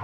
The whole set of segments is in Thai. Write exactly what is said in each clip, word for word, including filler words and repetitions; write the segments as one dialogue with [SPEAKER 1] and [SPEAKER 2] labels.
[SPEAKER 1] ไป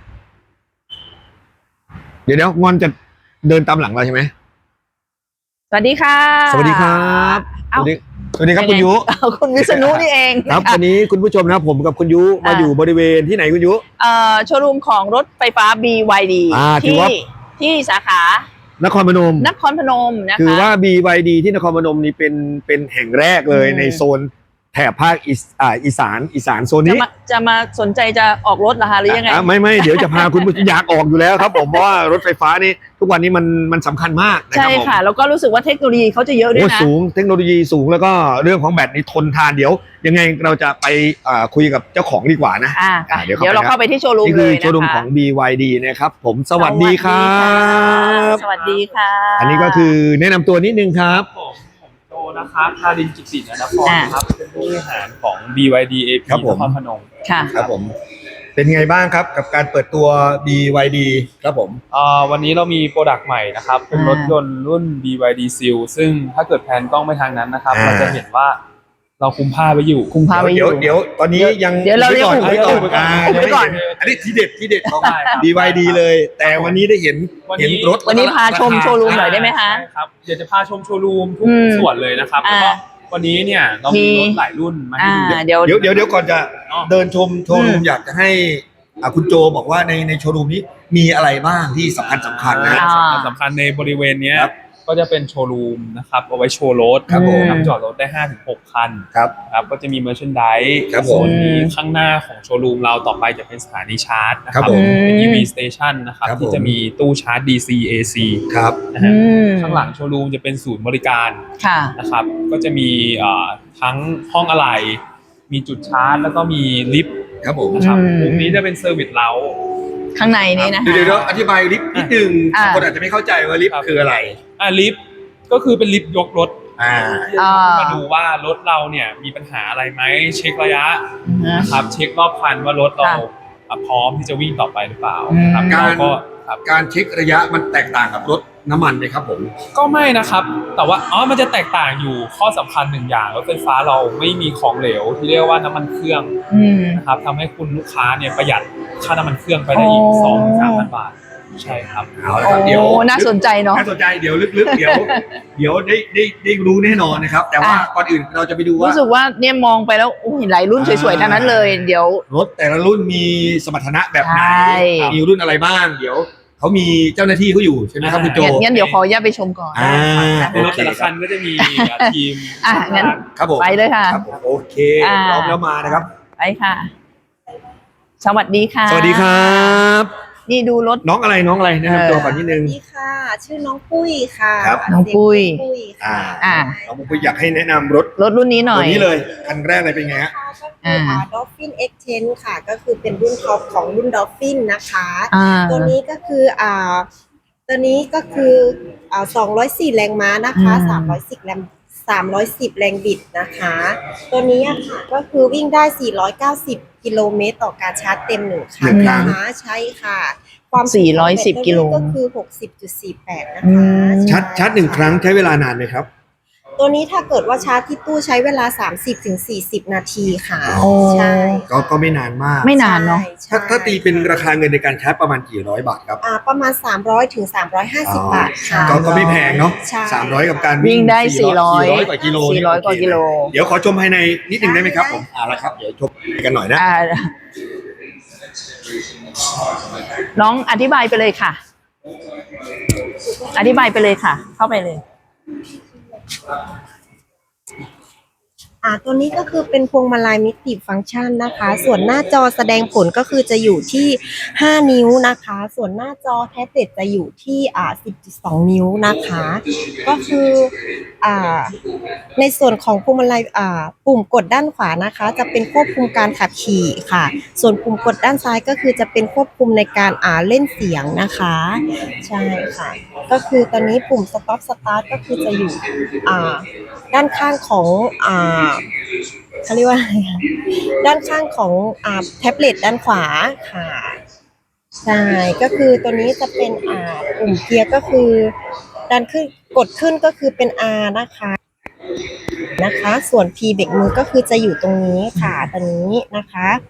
[SPEAKER 2] เดี๋ยวเดี๋ยวงอนจะเดินตามหลังเราใช่ไหม
[SPEAKER 1] สวัสดีค่ะ
[SPEAKER 2] สวัสดีครับสวัสดีสวัสดีครับคุณยุ
[SPEAKER 1] คุณวิษณุนี่เอง
[SPEAKER 2] ครับวันนี้คุณผู้ชมนะผมกับคุณยุมาอยู่บริเวณที่ไหนคุณยุ
[SPEAKER 1] เอ่อโชว์รูมของรถไฟฟ้า บี วาย ดี ที่ที่สาขาน
[SPEAKER 2] ครพนม
[SPEAKER 1] นครพนมนะคะ
[SPEAKER 2] คือว่า บี วาย ดี ที่นครพนมนี่เป็นเป็นแห่งแรกเลยในโซนแถบภาคอีสานอีสานโซนนี้
[SPEAKER 1] จะมาสนใจจะออกรถเหรอคะหรือยังไง
[SPEAKER 2] ไม่ไม่เดี๋ยวจะพาคุณอยากออกอยู่แล้วครับผมเพราะว่ารถไฟฟ้านี่ทุกวันนี้มันมันสำคัญมาก
[SPEAKER 1] ใช่ค่ะแล้วก็รู้สึกว่าเทคโนโลยีเขาจะเยอะด้วยนะ
[SPEAKER 2] สูงเทคโนโลยีสูงแล้วก็เรื่องของแบตนี่ทนทานเดี๋ยวยังไงเราจะไปคุยกับเจ้าของดีกว่านะ
[SPEAKER 1] เดี๋ยวเราเข้าไปที่โชว์รูมเลย
[SPEAKER 2] นี่คือโชว์รูมของ บี วาย ดี นะครับผมสวัสดีครับ
[SPEAKER 1] สวัสดีค่ะ
[SPEAKER 2] อันนี้ก็คือแนะนำตัวนิดนึงครับ
[SPEAKER 3] โตนะครับทารินจิตตินนครครับเป็นผู้บริหารของ บี วาย ดี เอ พี นครพนม
[SPEAKER 1] ค่ะ
[SPEAKER 2] ครับผมเป็นไงบ้างครับกับการเปิดตัว บี วาย ดี ครับผม
[SPEAKER 3] วันนี้เรามีโปรดักต์ใหม่นะครับเป็นรถยนต์รุ่น บี วาย ดี Seal ซึ่งถ้าเกิดแพนกล้องไปทางนั้นนะครับเราจะเห็นว่าเราคุมผ้าไว้อยู่
[SPEAKER 1] คุมผ้าไว้อยู่
[SPEAKER 2] เดี๋ยวตอนนี้ยัง
[SPEAKER 1] เดี๋ยวเราเรียกคุมไว้ก่อน
[SPEAKER 2] ไว้ก่อนอันนี้ทีเด็ดทีเด็ดของ บี วาย ดี เลยแต่วันนี้ได้เห็นเห็นรถ
[SPEAKER 1] วันนี้พาชมโชว์รูมหน่อยได้ไหมคะ
[SPEAKER 3] ครับเดี๋ยวจะพาชมโชว์รูมทุกส่วนเลยนะครับแล้วก็วันนี้เนี่ยเรามีรถหลายรุ่นมาให้ดู
[SPEAKER 1] เดี๋ยว
[SPEAKER 2] เดี๋ยวเดี๋ยวก่อนจะเดินชมโชว์รูมอยากจะให้คุณโจบอกว่าในในโชว์รูมนี้มีอะไรบ้างที่สำคัญสำคัญนะ
[SPEAKER 3] สำคัญสำคัญในบริเวณนี้ก็จะเป็นโชว์รูมนะครับเอาไว้โชว์รถ
[SPEAKER 2] ครับผม
[SPEAKER 3] จอดรถได้ ห้าถึงหก คัน
[SPEAKER 2] ครับ
[SPEAKER 3] ครับก็จะมีเมอร์ชันไดส์
[SPEAKER 2] ครับ
[SPEAKER 3] ผมมีข้างหน้าของโชว์รูมเราต่อไปจะเป็นสถานีชาร์จนะครับเป็น อี วี Station นะครับที่จะมีตู้ชาร์จ ดี ซี เอ ซี
[SPEAKER 2] ครับ
[SPEAKER 3] นะฮะข้างหลังโชว์รูมจะเป็นศูนย์บริการนะครับก็จะมีทั้งห้องอะไหล่มีจุดชาร์จแล้วก็มีลิฟต์
[SPEAKER 2] ครับผม
[SPEAKER 3] นะครับมุมนี้จะเป็นเซอร์วิสเล้า
[SPEAKER 1] ข้างในนี้นะคะ
[SPEAKER 2] เดี๋ยวอธิบายลิฟต์นิดนึงคนอาจจะไม่เข้าใจว่าลิฟต์คืออะไร
[SPEAKER 3] อ่าลิฟต์ก็คือเป็นลิฟต์ยกรถ
[SPEAKER 2] อ่า
[SPEAKER 3] มาดูว่ารถเราเนี่ยมีปัญหาอะไรไหมเช็คระยะนะครับเช็ครอบคันว่ารถเราพร้อมที่จะวิ่งต่อไปหรือเปล่าครับ
[SPEAKER 2] การก็การเช็คระยะมันแตกต่างกับรถน้ำมันไหมครับผม
[SPEAKER 3] ก็ไม่นะครับแต่ว่าอ๋อมันจะแตกต่างอยู่ข้อสำคัญหนึ่งอย่างรถไฟฟ้าเราไม่มีของเหลวที่เรียกว่าน้ำมันเครื่องนะครับทำให้คุณลูกค้าเนี่ยประหยัดค่าน้ำมันเครื่องไปได้อีกสองถึงสามพันบาทใช่ครับ
[SPEAKER 2] เอาละครับเดี๋ยว
[SPEAKER 1] น่าสนใจเนาะ
[SPEAKER 2] น่าสนใจเดี๋ยวลึกๆเดี๋ยวเดี๋ยวได้ได้ได้รู้แน่นอนนะครับแต่ว่าก่อนอื่นเราจะไปดูว่า
[SPEAKER 1] รู้สึกว่าเนี่ยมองไปแล้วโอ้เห็นหลายรุ่นสวยๆทั้งนั้นเลยเดี๋ยว
[SPEAKER 2] รถแต่ละรุ่นมีสมรรถนะแบบไหนมีรุ่นอะไรบ้างเดี๋ยวเขามีเจ้าหน้าที่เขาอยู่ใช่ไหมครับคุณโจ
[SPEAKER 1] งั้นเดี๋ยวขออนุญาตไปชมก่อน
[SPEAKER 3] ในรถแต่ละคันก็จะมีทีม
[SPEAKER 1] อ่ะงั้น
[SPEAKER 2] ครับผม
[SPEAKER 1] ไปเลยค่ะ
[SPEAKER 2] โอเคพร้อมแล้วมานะครับ
[SPEAKER 1] ไปค่ะสวัสดีค่ะ
[SPEAKER 2] สวัสดีครับ
[SPEAKER 1] นี่ดูรถ
[SPEAKER 2] น้องอะไรน้องอะไรนะครับตัวก่อนนิดนึง
[SPEAKER 4] สวัสดีค่ะชื่อน้องปุ้ยค่ะ
[SPEAKER 2] ครับ
[SPEAKER 1] น้องปุ้ย
[SPEAKER 2] อ่าอ่าน้องปุ้ยอยากให้แนะนำรถ
[SPEAKER 1] รถรุ่นนี้หน่อย
[SPEAKER 2] ตัวนี้เลยคันแรกเลยเป็นไงฮะ
[SPEAKER 4] อ่า Dolphin เอ็กซ์ เท็น ค่ะก็คือเป็นรุ่นท็อปของรุ่น Dolphin นะคะตัวนี้ก็คืออ่าตัวนี้ก็คืออ่าสองร้อยสี่แรงม้านะคะสามร้อยสิบแรงสามร้อยสิบแรงบิดนะคะตัวนี้ค่ะก็คือวิ่งได้สี่ร้อยเก้าสิบกิโลเมตรต่อการชาร์จเต็มหนึ่งครั้งนะคะใช่ค่ะ
[SPEAKER 1] ความสี่ร้อยสิบกิโล
[SPEAKER 4] ก็คือ หกสิบจุดสี่แปด นะคะ
[SPEAKER 2] ชาร์จชาร์จหนึ่งครั้งใช้เวลานานไหมครับ
[SPEAKER 4] ตัวนี้ถ้าเกิดว่าชาร์จที่ตู้ใช้เวลา สามสิบถึงสี่สิบ นาทีค่ะใช่
[SPEAKER 2] ก็ก็ไม่นานมาก
[SPEAKER 1] ไม่นานเนาะ
[SPEAKER 2] ถ้าถ้าตีเป็นราคาเงินในการชาร์จประมาณกี่ร้อยบาทครับ
[SPEAKER 4] อ่าประมาณสามร้อยถึงสามร้อยห้าสิบบาทค่ะ
[SPEAKER 2] ก็ก็ไม่แพงเนาะสามร้อยกับการ
[SPEAKER 1] วิ่งได้สี่ร้อย
[SPEAKER 2] กว่ากิโล
[SPEAKER 1] สี่ร้อยกว่ากิโล
[SPEAKER 2] เดี๋ยวขอชมภายในนิดนึงได้ไหมครับผมเอาละครับเดี๋ยวชมกันหน่อยนะ
[SPEAKER 1] น้องอธิบายไปเลยค่ะอธิบายไปเลยค่ะเข้าไปเลย
[SPEAKER 4] อ่าตัวนี้ก็คือเป็นพวงมาลัยมิติฟังก์ชันนะคะส่วนหน้าจอแสดงผลก็คือจะอยู่ที่ห้านิ้วนะคะส่วนหน้าจอแท็บเล็ตจะอยู่ที่อ่า สิบจุดสอง นิ้วนะคะก็คืออ่าในส่วนของพวงมาลัยอ่าปุ่มกดด้านขวานะคะจะเป็นควบคุมการขับขี่ค่ะส่วนปุ่มกดด้านซ้ายก็คือจะเป็นควบคุมในการอ่าเล่นเสียงนะคะใช่ค่ะก็คือตอนนี้ปุ่ม stop start ก็คือจะอยู่อ่าด้านข้างของอ่าเขาเรียกว่าอะไรคะด้านข้างของอ่าแท็บเล็ตด้านขวาค่ะใช่ก็คือตัวนี้จะเป็นอ่าปุ่มเกียร์ก็คือดันขึ้นกดขึ้นก็คือเป็น R นะคะนะคะส่วน P เบรกมือก็คือจะอยู่ตรงนี้ค่ะตรงนี้นะคะ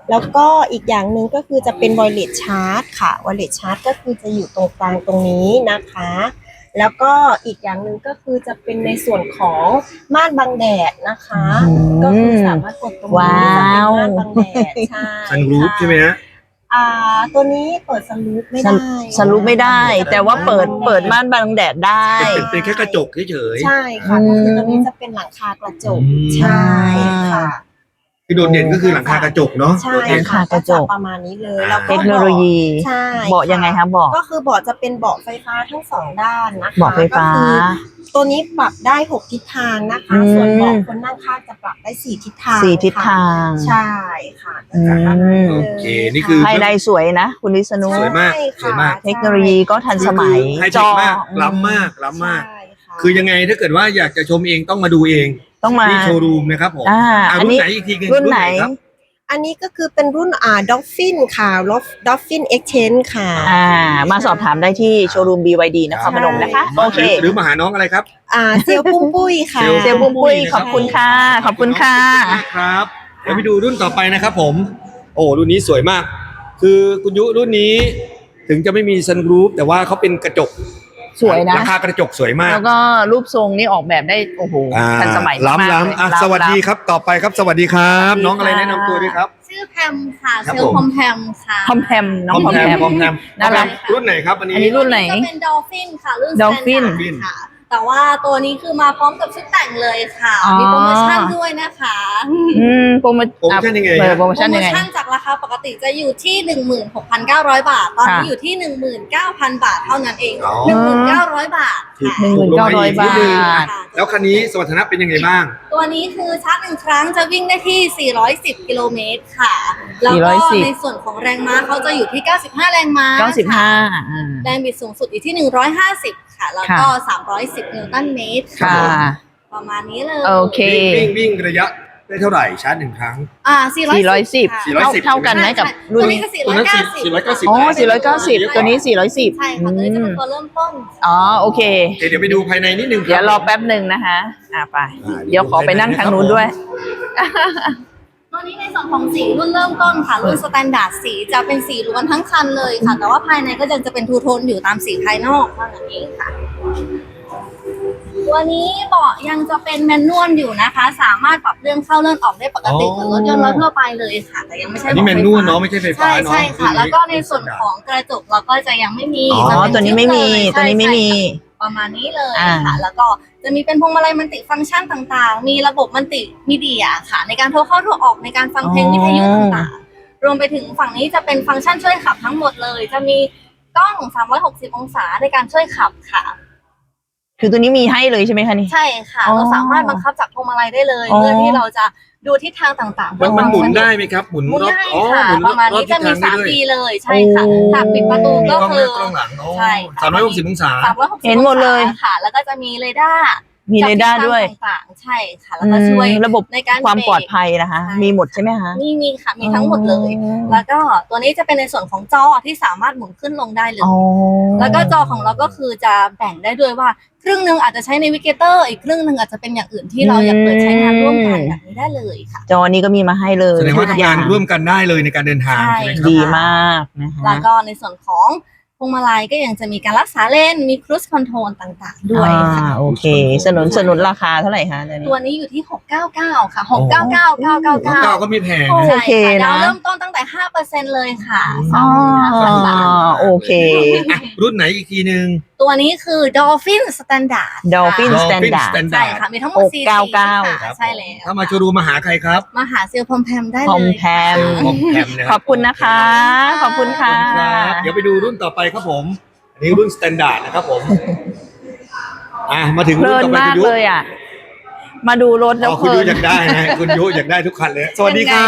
[SPEAKER 4] แล้วก็อีกอย่างหนึ่งก็คือจะเป็น wireless charge ค่ะ wireless charge ก็คือจะอยู่ตรงกลางตรงนี้นะคะ แล้วก็อีกอย่างหนึ่งก็คือจะเป็นในส่วนของม่านบังแดดนะคะ
[SPEAKER 1] อืม
[SPEAKER 4] ก็คือสามารถกดตรงนี้
[SPEAKER 1] ว้าว
[SPEAKER 4] จะเป็นม่านบังแดดใช่
[SPEAKER 2] ซันรูฟใช่ไหมฮะ
[SPEAKER 4] อ่าตัวนี้เปิดซันรูฟไม่ได้
[SPEAKER 1] สรุปไม่ได้ แต่ว่าเปิดเปิดม่านบังแดดได้
[SPEAKER 2] เป็นเป็นแค่กระจกเฉย
[SPEAKER 4] ใช่ค่ะ
[SPEAKER 1] อืม
[SPEAKER 4] ก็คือตัวนี้จะเป็นหลังคากระจก
[SPEAKER 2] อืม
[SPEAKER 4] ใช่ค่ะ
[SPEAKER 2] ๆที่โดดเด่นก็คือหลังคากระจกเนาะ
[SPEAKER 4] ใช่
[SPEAKER 1] หลัง
[SPEAKER 4] ค่ะ
[SPEAKER 1] คากระจก
[SPEAKER 4] ประมาณนี้เลยแล้วก็
[SPEAKER 1] เทคโนโลยี
[SPEAKER 4] ใช่
[SPEAKER 1] เบาะยังไงคะเบาะ
[SPEAKER 4] ก็คือเบาะจะเป็นเบาะไฟฟ้าทั้งสองด้านนะคะ
[SPEAKER 1] เบาะไฟฟ้า
[SPEAKER 4] ก็คือตัวนี้ปรับได้หกทิศทางนะคะ
[SPEAKER 1] อืม
[SPEAKER 4] ส่วนเบาะคนนั่งข้างจะปรับได้สี่ทิศทาง
[SPEAKER 1] สี่ทิศทาง
[SPEAKER 4] ใช่ค่ะ
[SPEAKER 1] อืม
[SPEAKER 4] จะประมาณนี้
[SPEAKER 2] โอ
[SPEAKER 4] ลย
[SPEAKER 2] เคนี่คือ
[SPEAKER 1] ภายในสวยนะ คุณวิษณุ
[SPEAKER 2] สวยมาก
[SPEAKER 4] ใช่
[SPEAKER 2] สวยมาก
[SPEAKER 1] เทคโนโลยีก็ทันสมัย
[SPEAKER 2] คือไฮเท
[SPEAKER 1] จ
[SPEAKER 2] ค
[SPEAKER 1] อ
[SPEAKER 2] มากล้ำมากล้ำมาก
[SPEAKER 4] ใช่ค่ะ
[SPEAKER 2] คือยังไงถ้าเกิดว่าอยากจะชมเองต้องมาดูเอง
[SPEAKER 1] ต้องมา
[SPEAKER 2] ที่โชว์รูมนะครับผม
[SPEAKER 1] อ่า
[SPEAKER 2] อ่า
[SPEAKER 1] อัน
[SPEAKER 2] รุ่น
[SPEAKER 1] นี้
[SPEAKER 2] ไหนอีกทีนึง
[SPEAKER 1] รุ่นไหน
[SPEAKER 2] ครับ
[SPEAKER 4] อันนี้ก็คือเป็นรุ่นอ่า Dolphin ค่ะ Dolphin Exchange ค่ะ
[SPEAKER 1] อ่า มาสอบถามได้ที่โชว์รูม บี วาย ดี นครพนมนะคะ โอเค
[SPEAKER 2] หรือมาหาน้องอะไรครับ
[SPEAKER 4] อ่าเซลลปุ้มปุ้ยค่ะ
[SPEAKER 1] เซลล์ปุ้มปุ้ยขอบคุณค่ะ ขอบคุณค่ะ
[SPEAKER 2] ขอบคุณมากครับเดี๋ยวไปดูรุ่นต่อไปนะครับผม โอ้รุ่นนี้สวยมาก คือคุณยุรุ่นนี้ ถึงจะไม่มีซันรูฟแต่ว่าเขาเป็นกระจก
[SPEAKER 1] สวยนะ
[SPEAKER 2] ราคากระจกสวยมาก
[SPEAKER 1] แล้วก็รูปทรงนี่ออกแบบได้ โอ้โห
[SPEAKER 2] อ่า
[SPEAKER 1] ทันสมัยมาก
[SPEAKER 2] ล้ำ
[SPEAKER 1] ๆ
[SPEAKER 2] ล้ำ
[SPEAKER 1] เลย
[SPEAKER 2] อ่ะ
[SPEAKER 1] ล้ำ
[SPEAKER 2] สวัสดีครับต่อไปครับสวัสดีครับ
[SPEAKER 1] สวัสดี
[SPEAKER 2] น้องอะไร
[SPEAKER 1] ค่ะ
[SPEAKER 2] แนะนำตัวด้วยครับ
[SPEAKER 5] ชื่อแพมค่ะ
[SPEAKER 2] ครับ
[SPEAKER 5] เซล
[SPEAKER 2] ผม
[SPEAKER 5] ล์พอมแพมค่ะ
[SPEAKER 1] พอมแพมน้องพอมแพม
[SPEAKER 2] พอมแพม
[SPEAKER 1] น่ารัก
[SPEAKER 2] รุ่นไหนครับอันนี้
[SPEAKER 1] อันนี้รุ่นไหน
[SPEAKER 5] จะเป็นดอลฟินค่ะรุ่น
[SPEAKER 1] Dolphin
[SPEAKER 5] Standard ค่ะ แต่ว่าตัวนี้คือมาพร้อมกับชุดแต่งเลยค่ะ
[SPEAKER 1] อ๋อ
[SPEAKER 5] มีโปรโมชั่นด้วยนะคะ
[SPEAKER 1] อืมโปรโม
[SPEAKER 2] โปรโมชั่นยังไง
[SPEAKER 1] เออโปรโม
[SPEAKER 5] โปร
[SPEAKER 1] ชั่น
[SPEAKER 5] โม
[SPEAKER 1] ยังไง
[SPEAKER 5] ชั่นจากราคาปกติจะอยู่ที่ หนึ่งหมื่นหกพันเก้าร้อย บาท ตอนนี้
[SPEAKER 1] ค่ะ
[SPEAKER 5] อยู่ที่ หนึ่งหมื่นเก้าพัน บาทเท่านั้นเอง
[SPEAKER 2] อ๋อ
[SPEAKER 5] หนึ่งหมื่นเก้าร้อย บาทค่ะ
[SPEAKER 1] หนึ่งหมื่นเก้าร้อยบาท
[SPEAKER 5] ค่ะ
[SPEAKER 2] แล้วคันนี้สมรรถนะเป็นยังไงบ้าง
[SPEAKER 5] ตัวนี้คือชาร์จหนึ่งครั้งจะวิ่งได้ที่ สี่ร้อยสิบ กิโลเมตรค่ะ แล้วก็
[SPEAKER 1] สี่ร้อยสิบ
[SPEAKER 5] ในส่วนของแรงม้าเขาจะอยู่ที่ เก้าสิบห้า แรงม้า
[SPEAKER 1] เก้าสิบห้า
[SPEAKER 5] ค่ะ
[SPEAKER 1] อ่า
[SPEAKER 5] แรงบิดสูงสุดอยู่ที่ หนึ่งร้อยห้าสิบ ค่ะ แล้วก็
[SPEAKER 1] ค่ะ
[SPEAKER 5] สามร้อยสิบ นิวตันเมตร
[SPEAKER 1] ค่ะ
[SPEAKER 5] ประมาณนี้เลย
[SPEAKER 1] โอเค
[SPEAKER 2] วิ่งวิ่งวิ่งระยะได้เท่าไหร่ชาร์จหนึ่งครั้ง
[SPEAKER 5] อ่า สี่ร้อย
[SPEAKER 1] สี่ร้อยสิบ
[SPEAKER 5] ค่ะ
[SPEAKER 2] สี่ร้อยสิบ
[SPEAKER 1] เท่ากันไหมกับรุ่น
[SPEAKER 5] ตัว
[SPEAKER 1] นี้
[SPEAKER 5] นี้ก็สี่
[SPEAKER 2] ตัว
[SPEAKER 5] ร้อย
[SPEAKER 2] นั้น
[SPEAKER 5] เก้า
[SPEAKER 2] สี่
[SPEAKER 5] สิบ
[SPEAKER 2] สี่ร้อยเก้าสิบ
[SPEAKER 1] อ๋อสี่ร้อยเก้าสิบตัวนี้สี่ร้อยสิบ
[SPEAKER 5] ใช่ค่ะ ตัวนี้จะเป็นตัวเริ่มต้น
[SPEAKER 1] อ๋อ โอเค
[SPEAKER 2] โอเคเดี๋ยวไปดูภายในนิดนึงคบ
[SPEAKER 1] เดี๋ยวรอแป๊บหนึ่งนะคะ อ่าไป
[SPEAKER 2] อ่า
[SPEAKER 1] เดี๋ยวขอไปนั่งทางนู้นด้วย
[SPEAKER 5] ตัวนี้ในส่วนของสีรุ่นเริ่มต้นค่ะ รุ่นสแตนดาร์ดสีจะเป็นสีล้วนทั้งคันเลยค่ะ แต่ว่าภายในก็ยังจะเป็นทูโทนอยู่ตามสีภายนอกเท่านั้นเองค่ะ ตัวนี้เบาะยังจะเป็นแมนนวลอยู่นะคะ สามารถปรับเลื่อนเข้าเลื่อนออกได้ปกติเหมือนรถยนต์ทั่วไปเลยค่ะ แต่ยังไม่ใช่
[SPEAKER 2] อันนี้
[SPEAKER 5] บาะ
[SPEAKER 2] แมนนวลเนาะไม่ใช่ไฟฟ้า
[SPEAKER 5] ใช่
[SPEAKER 2] เนาะ
[SPEAKER 5] ใช่ค่ะ แล้วก็ในส่วนของกระจกเราก็จะยังไม่มี
[SPEAKER 2] อ๋อ
[SPEAKER 5] จะ
[SPEAKER 1] อ๋อ
[SPEAKER 5] เป็น
[SPEAKER 1] ตัวนี้ไม่มี
[SPEAKER 5] ชุดเลย
[SPEAKER 1] ตัวนี้ไม่มี
[SPEAKER 5] ใช่ใช่ค่ะประมาณนี้เลย
[SPEAKER 1] อ่า
[SPEAKER 5] ค่ะ แล้วก็จะมีเป็นพวงมาลัยมัลติฟังก์ชันต่างๆ มีระบบมัลติมีเดียค่ะ ในการโทรเข้าโทรออกในการฟังเพลงวิทยุต่างๆ รวมไปถึงฝั่งนี้จะเป็นฟังก์ชันช่วยขับทั้งหมดเลย จะมีกล้องสามร้อยหกสิบองศาในการช่วยขับค่ะ
[SPEAKER 1] คือตัวนี้มีให้เลยใช่ไหมคะนี่
[SPEAKER 5] ใช่ค่ะ
[SPEAKER 1] อ๋อ
[SPEAKER 5] เราสามารถบังคับจากพวงมาลัยได้เลย
[SPEAKER 1] อ๋อ
[SPEAKER 5] เพื่อที่เราจะดูทิศทางต่างๆ
[SPEAKER 2] มันมันหมุนได้ไหมครับ หมุน
[SPEAKER 5] หมุน
[SPEAKER 2] รอบ
[SPEAKER 5] ได้
[SPEAKER 2] อ๋อ
[SPEAKER 5] ค่ะ
[SPEAKER 2] หมุน
[SPEAKER 5] ประมาณนี้
[SPEAKER 2] อบ
[SPEAKER 5] จะมี
[SPEAKER 2] ทิศท
[SPEAKER 5] สาง ม
[SPEAKER 2] ได้
[SPEAKER 5] ปี
[SPEAKER 2] ด้วย
[SPEAKER 5] เลยใช่ค่ะ
[SPEAKER 1] โอ้
[SPEAKER 5] หากปิดประตู
[SPEAKER 2] มี
[SPEAKER 5] ก็
[SPEAKER 2] กล้องห
[SPEAKER 5] คื
[SPEAKER 2] น้า
[SPEAKER 5] อก
[SPEAKER 2] ล้องหลังโอ้
[SPEAKER 5] ใช่ค่ะ
[SPEAKER 2] สามร้อยหกสิบองศา
[SPEAKER 5] สามร้อยหกสิบ
[SPEAKER 1] เห็นหมดเลย
[SPEAKER 5] ค่ะ แล้วก็จะมีเรดาร์
[SPEAKER 1] มีเรดาร์ด้วย
[SPEAKER 5] จับทิศทางต่างๆใช่ค่ะ แล้วก็ช่วย
[SPEAKER 1] อืมระบบ
[SPEAKER 5] ในการ
[SPEAKER 1] ความ
[SPEAKER 5] เบรก
[SPEAKER 1] ปลอดภัยนะคะ
[SPEAKER 5] ใช่
[SPEAKER 1] มีหมดใช่ไหมคะ
[SPEAKER 5] มีมีค่ะ มีทั้งหมดเลย
[SPEAKER 1] อ๋อ
[SPEAKER 5] แล้วก็ตัวนี้จะเป็นในส่วนของจอที่สามารถหมุนขึ้นลงได้เลย
[SPEAKER 1] อ๋อ
[SPEAKER 5] แล้วก็จอของเราก็คือจะแบ่งได้ด้วยว่าครึ่งหนึ่งอาจจะใช้ในวิกเกเตอร์อีกครึ่งหนึ่งอาจจะเป็นอย่างอื่นที่เราอยากเปิดใช้งานร่วมกันแบบนี้ได้เลยค่ะ
[SPEAKER 1] จอนี้ก็มีมาให้เลย
[SPEAKER 2] แสดงว่า
[SPEAKER 1] ทุก
[SPEAKER 2] ทำงานร่วมกันได้เลยในการเดินทาง
[SPEAKER 5] ใช่
[SPEAKER 2] ใช่ไหมครับ
[SPEAKER 1] ดีมากนะคะ
[SPEAKER 5] แล้วก็ในส่วนของพวงมาลัยก็ยังจะมีการรักษาเลนมีครู i คอนโทรลต่างๆ ด้วยค่ะ
[SPEAKER 1] อ่าโอเค สนุนสนุนราคาเท่าไหร่คะตัวนี้
[SPEAKER 5] ตัวนี้อยู่ที่ หกเก้าเก้า ค่ะ หกเก้าเก้า เก้าเก้า
[SPEAKER 2] เก้า
[SPEAKER 5] เก้า
[SPEAKER 2] ก็ไม่แพง
[SPEAKER 1] โอ้
[SPEAKER 2] นะ
[SPEAKER 5] ใช่
[SPEAKER 1] โอเค
[SPEAKER 5] ค่ะ
[SPEAKER 1] นะ
[SPEAKER 5] ดาวเริ่มต้นตั้งแต่ ห้าเปอร์เซ็นต์ เลยค่ะ
[SPEAKER 1] อ๋อ
[SPEAKER 5] สามหมื่นห้าพันบาท
[SPEAKER 1] โอเค
[SPEAKER 2] อ่ะรุ่นไหนอีกทีหนึ่ง
[SPEAKER 5] ตัวนี้คือ Dolphin Standard ค่ะ
[SPEAKER 1] Dolphin
[SPEAKER 2] Dolphin
[SPEAKER 1] Standard
[SPEAKER 2] Standard
[SPEAKER 5] ใช่ค่ะ มีทั้งหมดสี่
[SPEAKER 1] หกเก้าเก้า
[SPEAKER 5] สีค่ะใช่แล้ว
[SPEAKER 2] ถ้ามาโชว์รูมมาหาใครครับ
[SPEAKER 5] มาหาเซลล์พอมแพมได้
[SPEAKER 1] พ
[SPEAKER 5] เล
[SPEAKER 1] อม
[SPEAKER 5] ย
[SPEAKER 1] แพม
[SPEAKER 2] คอมแพมนะ
[SPEAKER 1] ขอบคุณนะคะ ขอบคุณค่ะ
[SPEAKER 2] ครับเดี๋ยวไปดูรุ่นต่อไปครับผม อันนี้รุ่นสแตนดาร์ดนะครับผม อ่ะมาถึง
[SPEAKER 1] เพ
[SPEAKER 2] รุ่
[SPEAKER 1] ลิ
[SPEAKER 2] น
[SPEAKER 1] น
[SPEAKER 2] ต่อไป
[SPEAKER 1] มา
[SPEAKER 2] คุ
[SPEAKER 1] ก
[SPEAKER 2] ณยุ
[SPEAKER 1] เลยอ่ะ มาดูรถแล้
[SPEAKER 2] อ๋
[SPEAKER 1] ว
[SPEAKER 2] อ
[SPEAKER 1] เพ
[SPEAKER 2] คุณ
[SPEAKER 1] ลิ
[SPEAKER 2] ยุ
[SPEAKER 1] น
[SPEAKER 2] อยากได้นะคุณยุอยากได้ทุกคันเลย สวัสดีครับ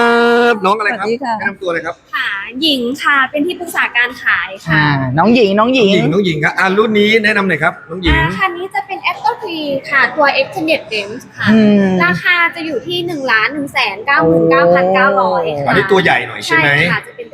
[SPEAKER 2] น้องอะไรครับ
[SPEAKER 1] สวัสดีค่ะ
[SPEAKER 2] แนะนำตัวเลยครับ
[SPEAKER 6] ค่ะหญิงค่ะเป็นที่ปรึกษาการขาย
[SPEAKER 1] อ่า
[SPEAKER 6] ค่ะ
[SPEAKER 1] น้องหญิง น้องห
[SPEAKER 2] น้
[SPEAKER 1] ญิ
[SPEAKER 2] อง
[SPEAKER 1] ง
[SPEAKER 2] หญิงน้องหญิงครับอ่ารุ่นนี้แนะนำหน่อยครับ น้องหญิง
[SPEAKER 6] อ่าคันนี้จะเป็น a c t o r e ค่ะตัว Extended Range ค่ะ
[SPEAKER 1] อืม
[SPEAKER 6] ราคาจะอยู่ที่หนึ่งล้านหนึ่งแสนเก้าหมื่นเก้าพันเก้าร้อย
[SPEAKER 2] อัน
[SPEAKER 6] ค่ะ
[SPEAKER 2] นี้ตัวใหญ่หน่อยใช่
[SPEAKER 6] ใช่
[SPEAKER 2] ไหม
[SPEAKER 6] ค่ะจะเป็นตัว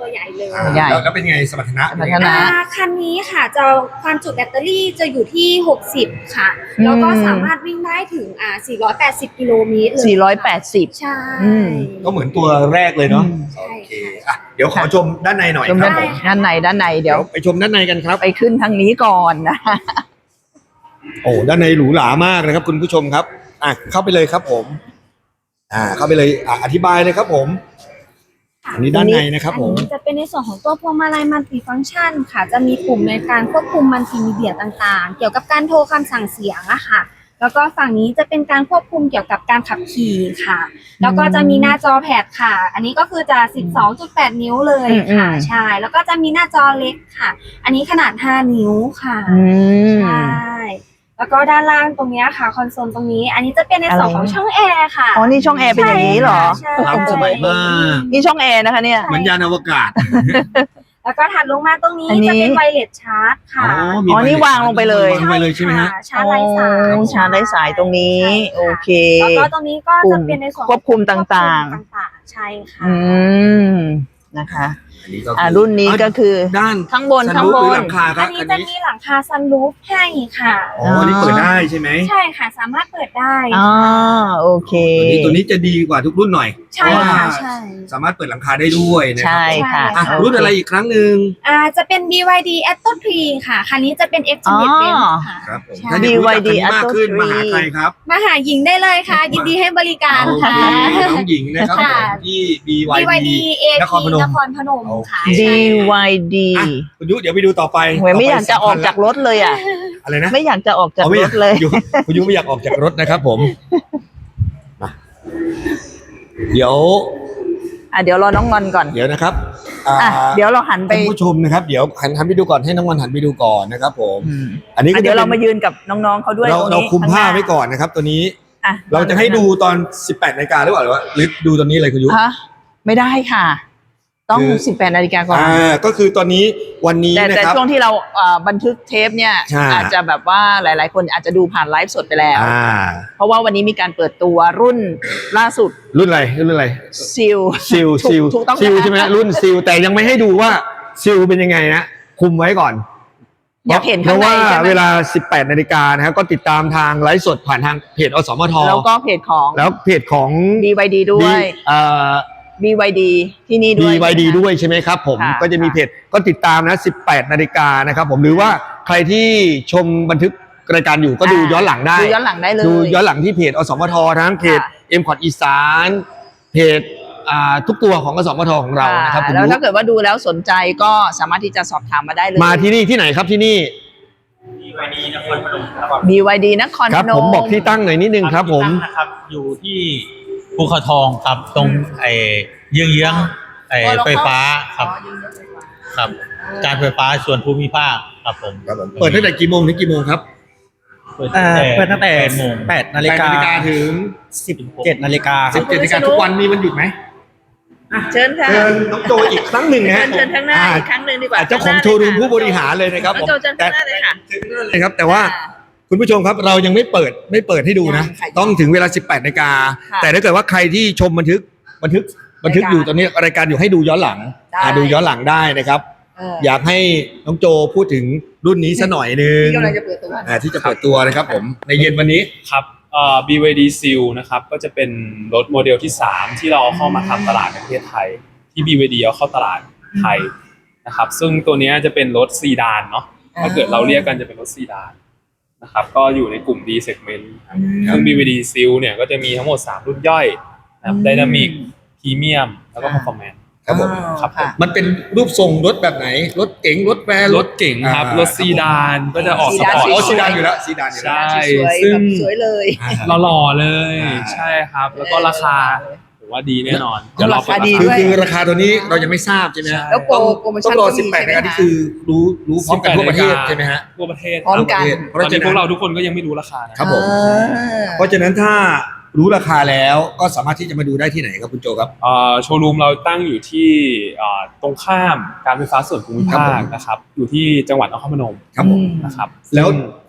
[SPEAKER 6] ตัวใหญ่เลย
[SPEAKER 2] อ่า
[SPEAKER 1] ใหญ่
[SPEAKER 2] แล้วแล้วเป็นไงสมรรถนะ
[SPEAKER 1] สมรรถนะ
[SPEAKER 6] อ่าคันนี้ค่ะจะความจุแบตเตอรี่จะอยู่ที่หกสิบค่ะ แล้วก็สามารถวิ่งได้ถึงอ่าสี่ร้อยแปดสิบกิโลเมตรเลย
[SPEAKER 1] สี่ร้อยแปดสิบ
[SPEAKER 6] ใช่
[SPEAKER 1] อืม
[SPEAKER 2] ก็เหมือนตัวแรกเลยเนาะ
[SPEAKER 6] ใช่
[SPEAKER 2] โอเค
[SPEAKER 6] ค่ะ
[SPEAKER 2] อ่ะเดี๋ยวขอชมด้านในหน่อย
[SPEAKER 1] ชม
[SPEAKER 2] ครั
[SPEAKER 1] ด้า
[SPEAKER 2] บ
[SPEAKER 1] น
[SPEAKER 2] ผม
[SPEAKER 1] ด้านในด้านในเดี๋
[SPEAKER 2] เดี๋
[SPEAKER 1] ย
[SPEAKER 2] ยว วไปชมด้านในกันครับ
[SPEAKER 1] ไปขึ้นทางนี้ก่อนนะ
[SPEAKER 2] โอ้ด้านในหรูหรามากนะครับคุณผู้ชมครับอ่ะเข้าไปเลยครับผม อ่าเข้าไปเลยอ่ะอธิบายเลยครับผมอันนี้ด้านในนะครับผม
[SPEAKER 6] อันนี้จะเป็นในส่วนของตัวพวงมาลัยมัลติฟังก์ชันค่ะ จะมีปุ่มในการควบคุมมัลติมีเดียต่างๆ เกี่ยวกับการโทรคำสั่งเสียงอะค่ะ แล้วก็ฝั่งนี้จะเป็นการควบคุมเกี่ยวกับการขับขี่ค่ะ แล้วก็จะมีหน้าจอแพดค่ะ อันนี้ก็คือจะ สิบสองจุดแปด นิ้วเลยค่ะ
[SPEAKER 1] อืม
[SPEAKER 6] ใช่ แล้วก็จะมีหน้าจอเล็กค่ะ อันนี้ขนาด ห้า นิ้วค่ะ
[SPEAKER 1] อืม
[SPEAKER 6] ใช่ แล้วก็ด้านล่างตรงเนี้ยค่ะ คอนโซลตรงนี้ อันนี้จะเป็นในส่วนของช่องแอร์ค่ะ
[SPEAKER 1] อ๋อนี่ช่องแอร์เป็นอย่างนี้เหรอ
[SPEAKER 6] ใช่
[SPEAKER 2] ล้ำสมัยมาก
[SPEAKER 1] นี่ช่องแอร์นะคะเนี่ย
[SPEAKER 2] เหมือนยานอวกาศ
[SPEAKER 6] แล้วก็ถัดลงมาตรงนี้
[SPEAKER 1] อันนี้
[SPEAKER 6] จะเป็นไวเลสชาร์จค่ะ
[SPEAKER 2] มี
[SPEAKER 1] อ๋อนี่วางลงไปเลย
[SPEAKER 2] วางไปเลยใช่ไหมฮะ
[SPEAKER 6] ค่ชาร์จไร้สาย
[SPEAKER 1] โอ้ชาร์จไร้สายตรงนี้
[SPEAKER 6] ใช่ค่ะ
[SPEAKER 1] โอเค
[SPEAKER 6] แล้วก็ตรงนี้ก็จะเป็นในส่วนของ
[SPEAKER 1] ควบคุมต่างๆ
[SPEAKER 6] ควบคุมต่างๆ ใช่ค่ะ
[SPEAKER 1] อืมนะคะ
[SPEAKER 2] อันนี้ก็
[SPEAKER 1] อ่ารุ่นนี้ก็คือ
[SPEAKER 2] ด้าน
[SPEAKER 1] ข้างบน
[SPEAKER 2] ซั
[SPEAKER 1] ข้าง
[SPEAKER 2] รูฟ
[SPEAKER 1] บ
[SPEAKER 2] หรือน หลังคาค
[SPEAKER 6] อั
[SPEAKER 2] รั
[SPEAKER 6] น
[SPEAKER 2] บ
[SPEAKER 6] นี้
[SPEAKER 2] อัน
[SPEAKER 6] จะ
[SPEAKER 2] นี้
[SPEAKER 6] มีหลังคาซันรูฟให้ค่ะ
[SPEAKER 2] อ๋ออันนี้เปิดได้ใช่ไหม
[SPEAKER 6] ใช่ค่ะ สามารถเปิดได้
[SPEAKER 1] อ๋อโอเค
[SPEAKER 2] ตัวนี้ตัวนี้จะดีกว่าทุกรุ่นหน่อย
[SPEAKER 6] ใช่
[SPEAKER 2] เพราะว่า
[SPEAKER 6] ค่ะใช่
[SPEAKER 2] สามารถเปิดหลังคาได้ด้วยนะครั
[SPEAKER 1] ใช่ค่ะ
[SPEAKER 2] อ่ะ
[SPEAKER 1] โเค
[SPEAKER 2] รุ่นอะไรอีกครั้งหนึ่ง
[SPEAKER 6] อ่าจะเป็น บี วาย ดี Atto ทรี ค่ะ คันนี้จะเป็น Extended
[SPEAKER 1] อ๋อ
[SPEAKER 6] Range ค่ะ
[SPEAKER 2] ครับผม
[SPEAKER 6] ใช่
[SPEAKER 2] ถ้าอยากรู้จักคันนี้มากขึ้น
[SPEAKER 1] บี วายดี
[SPEAKER 2] มาหาใครครับ
[SPEAKER 6] มาหาหญิงได้เลยค่ะ ยินดีให้บริการ
[SPEAKER 2] โอเค
[SPEAKER 6] ค่ะ
[SPEAKER 2] น้องหญิงนะครับผม
[SPEAKER 6] ค่ะ
[SPEAKER 2] ที่ บี วาย
[SPEAKER 6] บี วาย
[SPEAKER 2] ดี
[SPEAKER 6] ดี เอ
[SPEAKER 2] นครพนม
[SPEAKER 6] นครพนมค่ะ
[SPEAKER 2] โอเค
[SPEAKER 1] ดี วาย ดี
[SPEAKER 2] อ่ะคุณยุเดี๋ยวไปดูต่อไป
[SPEAKER 1] โอ้ยไม่อยากจะออกจากรถเลยอ่ะ
[SPEAKER 2] อะไรนะ
[SPEAKER 1] ไม่อยากจะออกจาก
[SPEAKER 2] อ๋อไม่
[SPEAKER 1] ร
[SPEAKER 2] อยาก
[SPEAKER 1] ถเลย
[SPEAKER 2] อยู่คุณยุไม่อยากออกจากรถนะครับผมมาเดี๋ยว
[SPEAKER 1] อ่ะเดี๋ยวรอน้องงอนก่อน
[SPEAKER 2] เดี๋ยวนะครับอ่า
[SPEAKER 1] อ่ะเดี๋ยวเราหันไป
[SPEAKER 2] คุณผู้ชมนะครับเดี๋ยวหันหันไปดูก่อนให้น้องวันหันไปดูก่อนนะครับผม
[SPEAKER 1] อืม
[SPEAKER 2] อันนี้ก็
[SPEAKER 1] อ่ะเดี๋ยว
[SPEAKER 2] จะ
[SPEAKER 1] เรา
[SPEAKER 2] ป็น
[SPEAKER 1] มายืนกับน้องๆเขาด้วย
[SPEAKER 2] เรา
[SPEAKER 1] ตรง
[SPEAKER 2] เรา
[SPEAKER 1] นี้
[SPEAKER 2] คุมผ้า
[SPEAKER 1] ข้งน้
[SPEAKER 2] ไว้ก่อนนะครับ ตัวนี้
[SPEAKER 1] อ่ะ
[SPEAKER 2] เราจะให้ดูตอนสิบแปดนาฬิกาหรือเปล่าหรือว่าหรือดูตอนนี้เลยคุณยุ
[SPEAKER 1] ฮะไม่ได้ค่ะ ต้อง
[SPEAKER 2] คือ
[SPEAKER 1] สิบแปดนาฬิกาก่อน
[SPEAKER 2] อ่าก็คือตอนนี้วันนี้
[SPEAKER 1] แต่
[SPEAKER 2] นะ
[SPEAKER 1] แต่
[SPEAKER 2] ครับ
[SPEAKER 1] ช่วงที่เราเอ่อบันทึกเทปเนี่ย
[SPEAKER 2] ใช่
[SPEAKER 1] อาจจะแบบว่าหลาย ๆ คนอาจจะดูผ่านไลฟ์สดไปแล้ว
[SPEAKER 2] อ่า
[SPEAKER 1] เพราะว่าวันนี้มีการเปิดตัวรุ่นล่าสุด
[SPEAKER 2] รุ่นอะไรรุ่นอะไร
[SPEAKER 1] ซิล
[SPEAKER 2] ซิล
[SPEAKER 1] ถูก
[SPEAKER 2] ซิล
[SPEAKER 1] ถูกต้อง
[SPEAKER 2] ซิล
[SPEAKER 1] นะ
[SPEAKER 2] ใช่ไหมรุ่นซิลแต่ยังไม่ให้ดูว่าซิลเป็นยังไงนะคุมไว้ก่อน
[SPEAKER 1] อยากเห็น
[SPEAKER 2] เพ
[SPEAKER 1] ข้าง
[SPEAKER 2] ราะ
[SPEAKER 1] ใน
[SPEAKER 2] ว่า
[SPEAKER 1] ใช่ไหม
[SPEAKER 2] เวลาสิบแปดนาฬิกานะครับก็ติดตามทางไลฟ์สดผ่านทางเพจอสมท
[SPEAKER 1] แล้วก็เพจของ
[SPEAKER 2] แล้วเพจของ
[SPEAKER 1] บี วาย ดี ด้วย
[SPEAKER 2] เอ่อ
[SPEAKER 1] บี วาย ดี ที่นี่ด้
[SPEAKER 2] บี
[SPEAKER 1] วย
[SPEAKER 2] วายดี
[SPEAKER 1] ใช่ไหม
[SPEAKER 2] ด้วยใช่ไหมครับผม
[SPEAKER 1] ค่ะ
[SPEAKER 2] ก็จะมีเพจก็ติดตามนะสิบแปดนาฬิกานะครับผมหรือว่าใครที่ชมบันทึกรายการอยู่ก็ดูย้อนหลังได้
[SPEAKER 1] ดูย้อนหลังได้เลย
[SPEAKER 2] ดูย้อนหลังที่เพจอสมททั้งเพจ
[SPEAKER 1] ค่ะ
[SPEAKER 2] เอ็มคอร์ดอีสานเพจอ่าทุกตัวของอสมทของเรานะครับคุณ
[SPEAKER 1] แล้ว
[SPEAKER 2] ยุ
[SPEAKER 1] ถ้าเกิดว่าดูแล้วสนใจก็สามารถที่จะสอบถามมาได้เลย
[SPEAKER 2] มาที่นี่ที่ไหนครับที่นี่
[SPEAKER 1] บี วาย ดี นครพนม
[SPEAKER 2] ครับผมบอกที่ตั้งหน่อยนิดนึงครับผม
[SPEAKER 7] ที่ตั้งนะครับอยู่ที่ภูเขาทองครับตรงไอ้เยื้องเยื้องๆไอ้ไฟฟ้าครับครับ การไฟฟ้าส่วนภูมิภาคครับผม
[SPEAKER 2] เปิดตั้งแต่กี่โมงถึงกี่โมงครับ
[SPEAKER 7] เปิด
[SPEAKER 8] เอ่อเปิดตั้งแต่
[SPEAKER 7] แปดโมง
[SPEAKER 8] แปดนาฬิกา
[SPEAKER 2] แปดนาฬิกาถึง
[SPEAKER 8] สิบเจ็ดนาฬิกาค
[SPEAKER 2] สิ
[SPEAKER 8] รั
[SPEAKER 2] บบ เจ็ดนาฬิกาทุกวันมีวันหยุดไหม
[SPEAKER 1] เชิญค่ะ
[SPEAKER 2] เชิญน้องโจอีกครั้งหนึ่งนะ
[SPEAKER 1] เชิ
[SPEAKER 2] ฮะ
[SPEAKER 1] ญเชิญข้างหน้า
[SPEAKER 2] อ่
[SPEAKER 1] อีกครั้งหนึ่งดีกว่า
[SPEAKER 2] เจ้าของโชว์รูมผู้บริหารเลยนะครับ
[SPEAKER 1] น้องโจเชิญข้างหน้าเลยค่ะ
[SPEAKER 2] เชิญข้างหน้าเลยครับ แต่ว่าคุณผู้ชมครับเรายังไม่เปิดไม่เปิดให้ดูนะ
[SPEAKER 1] ยังค่ะ
[SPEAKER 2] ต้องถึงเวลาสิบแปดนาฬิกา
[SPEAKER 1] ค่ะ
[SPEAKER 2] แต่ถ้าเกิดว่าใครที่ชมบันทึกบันทึกบันทึกอยู่ตอนนี้รายการอยู่ให้ดูย้อนหลัง
[SPEAKER 1] ได้
[SPEAKER 2] อ่าดูย้อนหลังได้นะครับ
[SPEAKER 1] เออ
[SPEAKER 2] อยากให้น้องโจพูดถึงรุ่นนี้สักหน่อยนึง
[SPEAKER 1] ที่กำลังจะเปิดตัว
[SPEAKER 2] อ่าที่จะเปิดตัวนะครับผมในเย็นวันนี้
[SPEAKER 3] ครับเอ่อ บี วาย ดี Seal นะครับก็จะเป็นรถโมเดลที่สามที่เราเอาเข้ามาทำตลาดในประเทศไทยที่ บี วาย ดี เอาเข้าตลาดไทยนะครับซึ่งตัวเนี้ยจะเป็นรถซีดานเนาะถ้าเกิดเราเรียกกันจะเป็นรถซีดานนะครับก็อยู่ในกลุ่ม D segment ครับซึ่ง บี วาย ดี Seal เนี่ยก็จะมีทั้งหมดสามรุ่นย่อยนะครับ Dynamic Premium แล้วก็ Performance
[SPEAKER 2] ครับผม
[SPEAKER 3] ครับผม
[SPEAKER 2] มันเป็นรูปทรงรถแบบไหน รถเก๋งรถแวน
[SPEAKER 3] รถเก่งครับ
[SPEAKER 2] อ่าร
[SPEAKER 3] ถซีดานก็จะออก
[SPEAKER 1] ซี
[SPEAKER 3] ส
[SPEAKER 1] ดาน
[SPEAKER 3] ปอร์ต
[SPEAKER 2] อ๋อซีดานอยู่แล้วซีดานอยู่แล้ว
[SPEAKER 3] ใช่
[SPEAKER 1] สวยๆ
[SPEAKER 3] ซึ่ง
[SPEAKER 1] แบบสวยเลย
[SPEAKER 3] หล่อๆเลย
[SPEAKER 2] อ่า
[SPEAKER 3] ใช่ครับ แล้วก็ราคาผมว่าดีแน่นอน
[SPEAKER 1] เอาราคาดี
[SPEAKER 2] คือ
[SPEAKER 1] ด้วย
[SPEAKER 2] คือราคาตัวนี้เรายังไม่ทราบใช่ไหมฮะ
[SPEAKER 1] แล้วโปร
[SPEAKER 2] ต้อง
[SPEAKER 1] โปรโม
[SPEAKER 2] ต้
[SPEAKER 1] ชั่
[SPEAKER 2] อน งรอ
[SPEAKER 1] ก็มี
[SPEAKER 2] สิบแปด
[SPEAKER 1] ใช่ไหม
[SPEAKER 2] นาที
[SPEAKER 1] คะ
[SPEAKER 2] คือรู้รู้พร้อมกันทั่วประเทศใช่ไหมฮะ
[SPEAKER 3] ทั่วประเทศ
[SPEAKER 1] พร้อมกัน
[SPEAKER 2] เพ
[SPEAKER 3] ต
[SPEAKER 2] ราะ
[SPEAKER 3] อน
[SPEAKER 2] ฉะ
[SPEAKER 3] นี้
[SPEAKER 2] นั้
[SPEAKER 3] พวน กเราทุกคนก็ยังไม่รู้ราคานะครับ
[SPEAKER 2] ผม
[SPEAKER 1] อ่า
[SPEAKER 2] เพราะฉะนั้นถ้ารู้ราคาแล้วก็สามารถที่จะมาดูได้ที่ไหนครับคุณโจครับ
[SPEAKER 3] เอ่อโชว์รูมเราตั้งอยู่ที่เอ่อตรงข้ามการไฟฟ้าส่วนภูมิ
[SPEAKER 2] ครับ
[SPEAKER 3] ภา
[SPEAKER 2] ผ
[SPEAKER 3] ค
[SPEAKER 2] ม
[SPEAKER 3] นะครับอยู่ที่จังหวัดนครพนม
[SPEAKER 2] ครับผม
[SPEAKER 3] นะครับ
[SPEAKER 2] แล้ว
[SPEAKER 3] ซึ่ง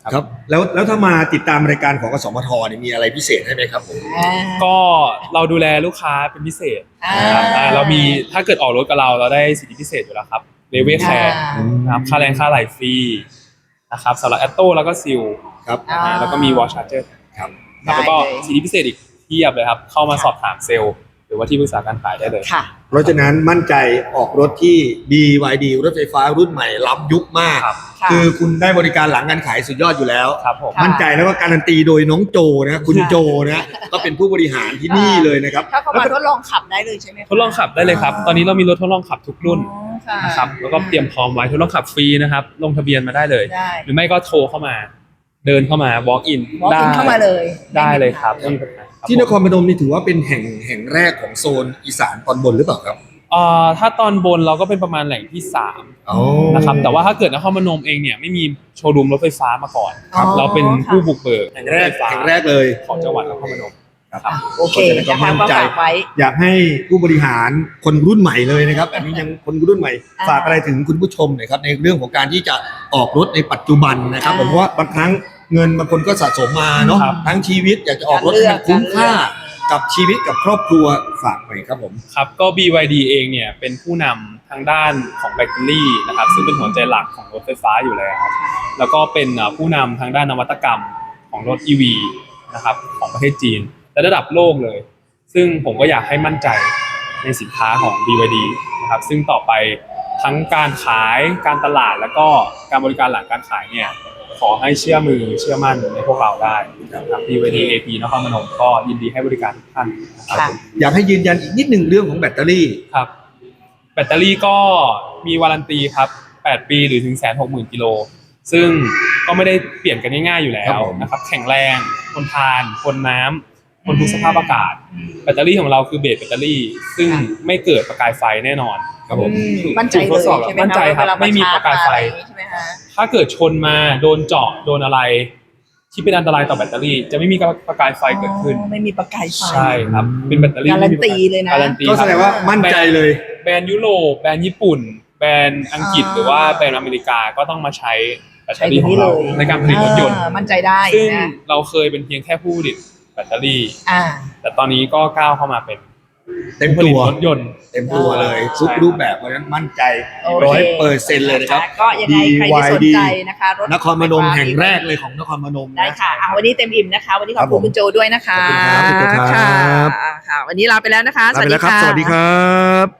[SPEAKER 2] ครับแล้วแล้วถ้ามาติดตามรายการของกสมทเนี่ยมีอะไรพิเศษให้ไหมครับผม
[SPEAKER 3] ก็เราดูแลลูกค้าเป็นพิเศษ
[SPEAKER 1] อ่า
[SPEAKER 3] นะครับอ่าเรามีถ้าเกิดออกรถกับเราเราได้สิทธิพิเศษอยู่แล้วครับเลเวลแคร์
[SPEAKER 1] อ่า
[SPEAKER 3] นะครับค่าแรงค่าไหลฟรีนะครับสำหรับแอตโต้แล้วก็ซิล
[SPEAKER 2] ครับ
[SPEAKER 3] อ่าแล้วก็มีวอลชาร์เจอร์
[SPEAKER 2] ครับ
[SPEAKER 3] แล้วก็
[SPEAKER 1] ได้เลย
[SPEAKER 3] สิทธิพิเศษอีกเทียบเลยครับเข้ามาสอบถามเซลล์หรือว่าที่ปรึกษาการขายได้เลย
[SPEAKER 1] ค่ะ
[SPEAKER 2] เพราะฉะนั้นมั่นใจออกรถที่ บี วาย ดี รถไฟฟ้ารุ่นใหม่ล้ำยุคมาก
[SPEAKER 3] ครับ
[SPEAKER 1] ค่ะ
[SPEAKER 2] คือคุณได้บริการหลังการขายสุดยอดอยู่แล้ว
[SPEAKER 3] ครับผม
[SPEAKER 1] ค่ะ
[SPEAKER 2] มั่นใจแล้วก็การันตีโดยน้องโจนะคุณโจนะก็เป็นผู้บริหารที่นี่เลยนะครับ
[SPEAKER 1] ถ้าเข้ามาทดลองขับได้เลยใช่ไหมคะ
[SPEAKER 3] ทดลองขับได้เลยครับ ตอนนี้เรามีรถทดลองขับทุกรุ่น
[SPEAKER 1] อ๋อค่ะ
[SPEAKER 3] นะครับแล้วก็เตรียมพร้อมไว้ทดลองขับฟรีนะครับลงทะเบียนมาได้เลย
[SPEAKER 1] ได้
[SPEAKER 3] หรือไม่ก็โทรเข้ามา เดินเข้ามา walk in
[SPEAKER 1] วอล์ก
[SPEAKER 3] ได้
[SPEAKER 1] อินเข้ามาเลย
[SPEAKER 3] ได้เลยครับไม่มีปัญหาครับ
[SPEAKER 2] ที่นครพนมนี่ถือว่าเป็นแห่งแห่งแรกของโซนอีสานตอนบนหรือเปล่าครับ
[SPEAKER 3] เอ่อถ้าตอนบนเราก็เป็นประมาณแหล่งที่สาม
[SPEAKER 2] อ๋อ
[SPEAKER 3] นะครับแต่ว่าถ้าเกิดนครพนมเองเนี่ยไม่มีโชว์รูมรถไฟฟ้ามาก่อน
[SPEAKER 1] ครับ
[SPEAKER 3] เราเป็นผู้บุกเบิก
[SPEAKER 2] แห่ง
[SPEAKER 3] ร
[SPEAKER 2] แร
[SPEAKER 3] ถ
[SPEAKER 2] ก
[SPEAKER 3] ไฟฟ้า
[SPEAKER 2] แห่งแรกเลย
[SPEAKER 3] ของจังหวัดนครพนม
[SPEAKER 2] ครับ
[SPEAKER 1] โอเค
[SPEAKER 2] ก็
[SPEAKER 1] นะคะ
[SPEAKER 2] มั่น
[SPEAKER 1] ก็
[SPEAKER 2] ใจ
[SPEAKER 1] ฝากไว้
[SPEAKER 2] อยากให้ผู้บริหารคนรุ่นใหม่เลยนะครับอันนี้ยังคนรุ่นใหม่
[SPEAKER 1] อ่า
[SPEAKER 2] ฝากอะไรถึงคุณผู้ชมหน่อยครับในเรื่องของการที่จะออกรถในปัจจุบันนะครับ
[SPEAKER 1] อ่า
[SPEAKER 2] ผมเพราะว่าบางครั้งเงินบางคนก็สะสมมาเนาะ
[SPEAKER 3] ครับ
[SPEAKER 2] ทั้งชีวิตอยากจะออกรถ
[SPEAKER 1] การเลื
[SPEAKER 2] ให้
[SPEAKER 1] อก
[SPEAKER 2] มันคุ้มค่า
[SPEAKER 1] การเลือก
[SPEAKER 2] กับชีวิตกับครอบครัวฝากหน่อยครับผม
[SPEAKER 3] ครับก็ บี วาย ดี เองเนี่ยเป็นผู้นำทางด้านของแบตเตอรี่นะครับซึ่งเป็นหัวใจหลักของรถไฟฟ้าอยู่แล้ว แล้วก็เป็นอ่าผู้นำทางด้านนวัตกรรมของรถ อี วี นะครับของประเทศจีนและระดับโลกเลย ซึ่งผมก็อยากให้มั่นใจในสินค้าของ บี วาย ดี นะครับซึ่งต่อไปทั้งการขายการตลาดแล้วก็การบริการหลังการขายเนี่ยขอให้เชื่อมือเชื่อมั่นในพวกเราได้นะครับ บี วาย ดี เอ พี นครพนมก็ยินดีให้บริการทุกท่านนะครับ
[SPEAKER 1] ค่ะ
[SPEAKER 2] อยากให้ยืนยันอีกนิดหนึ่งเรื่องของแบตเตอรี่
[SPEAKER 3] ครับแบตเตอรี่ก็มีวารันตีครับแปดปีหรือถึง หนึ่งแสนหกหมื่น กิโลซึ่งก็ไม่ได้เปลี่ยนกันง่ายๆอยู่แล้
[SPEAKER 2] ครั
[SPEAKER 3] ว
[SPEAKER 2] บผม
[SPEAKER 3] นะครับแข็งแรงทนทานทนน้ำทนทุกสภาพอากาศ แบตเตอรี่ของเราคือเบสแบตเตอรี่ ซึ่งไม่เกิดประกายไฟแน่นอน
[SPEAKER 2] ครับผม
[SPEAKER 1] อืมมั่นใจเลย
[SPEAKER 3] ทดสอบ
[SPEAKER 1] ใช่ไหม
[SPEAKER 3] มั่นใจครับ
[SPEAKER 1] เวล
[SPEAKER 3] ไม่มีประกายไฟ
[SPEAKER 1] ชร์จมอะรอย่างงี้ใช่ไหมคะ
[SPEAKER 3] ถ้าเกิดชนมาโดนเจาะโดนอะไร ที่เป็นอันตรายต่อแบตเตอรี่ จะไม่มีประกายไฟเกิดขึ้น
[SPEAKER 1] อ๋อไม่มีประกายไฟ
[SPEAKER 3] ใช่ครับเป็นแบตเตอรี่
[SPEAKER 1] การันตีเลยนะ
[SPEAKER 3] การันตี
[SPEAKER 2] ก็
[SPEAKER 3] ค
[SPEAKER 2] แส
[SPEAKER 3] รับ
[SPEAKER 2] ดงว่ามั่นใจเลย
[SPEAKER 3] แบรนด์ยุโรปแบรนด์ญี่ปุ่น แบรนด์อังกฤษ
[SPEAKER 1] อ่า
[SPEAKER 3] หรือว่าแบรนด์อเมริกาก็ต้องมาใช้แบตเต
[SPEAKER 1] ใช้
[SPEAKER 3] อรี่ของเรา
[SPEAKER 1] ตัวนี้เลย
[SPEAKER 3] ในการผลิตรถยนต์
[SPEAKER 1] อ่ามั่นใจได้
[SPEAKER 3] ซึ่ง
[SPEAKER 1] นะ
[SPEAKER 3] เราเคยเป็นเพียงแค่ผู้ผลิตแบตเตอรี่
[SPEAKER 1] อ่า
[SPEAKER 3] แต่ตอนนี้ก็ก้าวเข้ามาเป็น
[SPEAKER 2] เต็ม
[SPEAKER 3] ผู้ผลิ
[SPEAKER 2] ตั
[SPEAKER 3] ต
[SPEAKER 2] ว
[SPEAKER 3] รถยนต์
[SPEAKER 2] เต็มตัวเลย
[SPEAKER 3] ใช่
[SPEAKER 2] ทุกรูปแบบเพราะฉะนั้นมั่นใจ
[SPEAKER 1] โอเค
[SPEAKER 2] ร้อยเปอร์เซ็นต์เลยนะครับ
[SPEAKER 1] ก็ยังไงใครที่สนใจนะคะรถ
[SPEAKER 2] นครพนมแห่งแรกเลยของนครพนม
[SPEAKER 1] ได้
[SPEAKER 2] นะ
[SPEAKER 1] ค่ะอ่ะวันนี้เต็มอิ่มนะคะ วันนี้ขอบ
[SPEAKER 2] ครับผ
[SPEAKER 1] คุณ
[SPEAKER 2] ม
[SPEAKER 1] คุณโจด้วยนะคะ
[SPEAKER 2] ขอบคุณครับคุณโจครับ
[SPEAKER 1] ค่ะอ่ะค่ะ วันนี้ลาไปแล้วนะคะ
[SPEAKER 2] ลาไปแล้วครับ สวัสดีครับ